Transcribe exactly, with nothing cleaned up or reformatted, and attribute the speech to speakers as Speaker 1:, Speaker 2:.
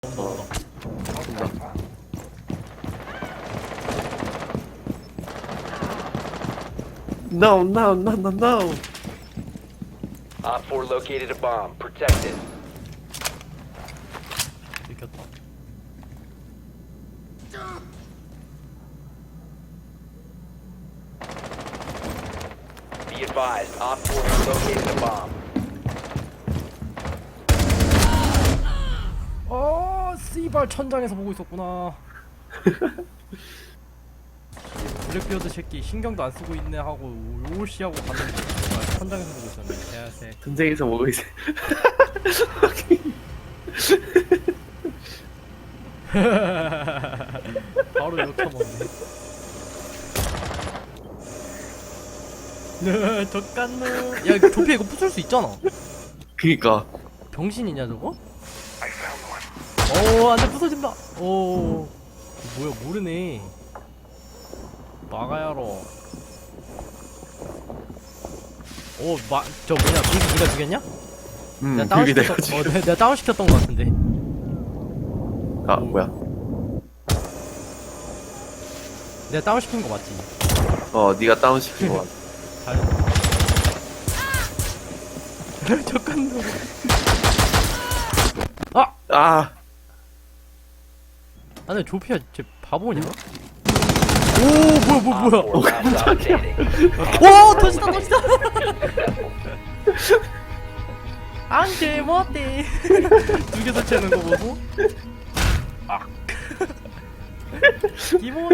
Speaker 1: 온다 온다.
Speaker 2: 온다. No, no, no, no, no.
Speaker 3: Op four located a bomb. Protect it.
Speaker 1: 들켰다.
Speaker 3: Be advised, Op four has located a bomb.
Speaker 1: 어, 씨발 천장에서 보고 있었구나. 블랙비어드 새끼 신경도 안 쓰고 있네 하고 오시하고 갔는데 정말 천장에서 보고 있었네. 개새.
Speaker 2: 전쟁에서 뭐고 있어?
Speaker 1: 바로 욕처먹네. 네, 덕간노. 야, 조피 이거 부술 수 있잖아.
Speaker 2: 그니까.
Speaker 1: 병신이냐 저거? 오, 안돼 부서진다. 오, 뭐야 모르네. 막아야로. 오, 마, 저 뭐냐, 빙기 니가 죽였냐?
Speaker 2: 음,
Speaker 1: 내가 다운
Speaker 2: 그게
Speaker 1: 시켰던,
Speaker 2: 내가
Speaker 1: 어,
Speaker 2: 지금.
Speaker 1: 내가, 내가 다운 시켰던 것 같은데.
Speaker 2: 아, 뭐야?
Speaker 1: 내가 다운 시킨 거 맞지?
Speaker 2: 어, 네가 다운 시킨 거 같아.
Speaker 1: 잘했어. 덕간노. 아,
Speaker 2: 아,
Speaker 1: 아니 조피야, 쟤 바보냐? 오, 뭐야, 뭐야, 뭐야.
Speaker 3: Op four last stop standing.
Speaker 1: 오, 터지다, 터지다. 안돼, 못돼. 두 개 더 채는 거 보고. 아. 기본.